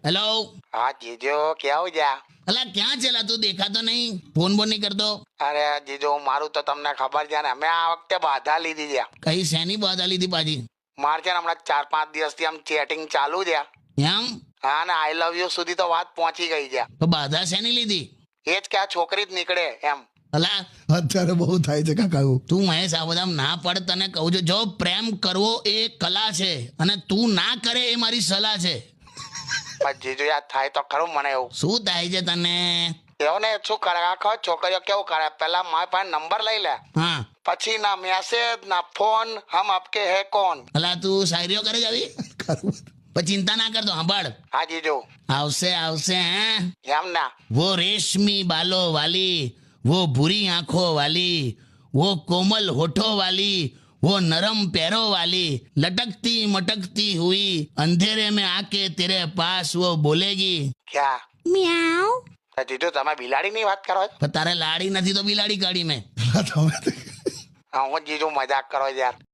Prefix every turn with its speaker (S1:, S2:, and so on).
S1: Hello.
S2: हाँ जीजू क्या हो गया?
S1: અલા ક્યાં છેલા તું? દેખાતો નહીં, ફોન બોન નહીં કરતો.
S2: અરે જીજુ મારું તો તમને ખબર છે ને, મેં આ વખતે બાધા લીધી છે.
S1: કઈ શેની બાધા લીધી પાછી?
S2: મારે છે ને હમણાં 4-5 દિવસથી આમ ચેટિંગ ચાલુ છે.
S1: એમ?
S2: હા ને આઈ લવ યુ સુધી તો વાત પહોંચી ગઈ છે.
S1: તો બાધા શેની લીધી?
S2: એ જ કે આ છોકરી જ નીકળે એમ.
S1: અલા
S3: અત્યારે બહુ થાય છે કાકા એવું.
S1: તું મહેશ આ બધા ના પડ, તને કહું છું, જો પ્રેમ કરવો એ કલા છે અને તું ના કરે એ મારી સલાહ છે.
S2: પણ જીજુ યાદ થાય તો ખરું મને એવું.
S1: શું થાય છે તને?
S2: એવું ને શું કરે આખો છોકરીઓ કેવું કરે, પેલા મારી પાસે નંબર લઈ લે,
S1: હા.
S2: પછી ના મેસેજ ના ફોન, હમ આપકે હે કોણ.
S1: અલા તું શાયરીઓ કરે જ આવી?
S3: ખરું.
S1: પણ ચિંતા ના કરતો, સાંભળ,
S2: હા જીજુ
S1: આવશે આવશે. હે
S2: એમ ના.
S1: वो रेशमी बालों वाली, वो भूरी आंखों वाली, वो कोमल होठों वाली, वो नरम पैरों वाली, लटकती मटकती हुई अंधेरे में आके तेरे पास वो बोलेगी
S2: ક્યાં?
S1: म्याऊ.
S2: તો જીજુ તમે બિલાડી ની વાત કરો છો?
S1: પણ તારે લાડી નથી તો બિલાડી કાઢી મેં.
S3: તમે તો
S2: હા હું જીજુ મજાક કરો યાર.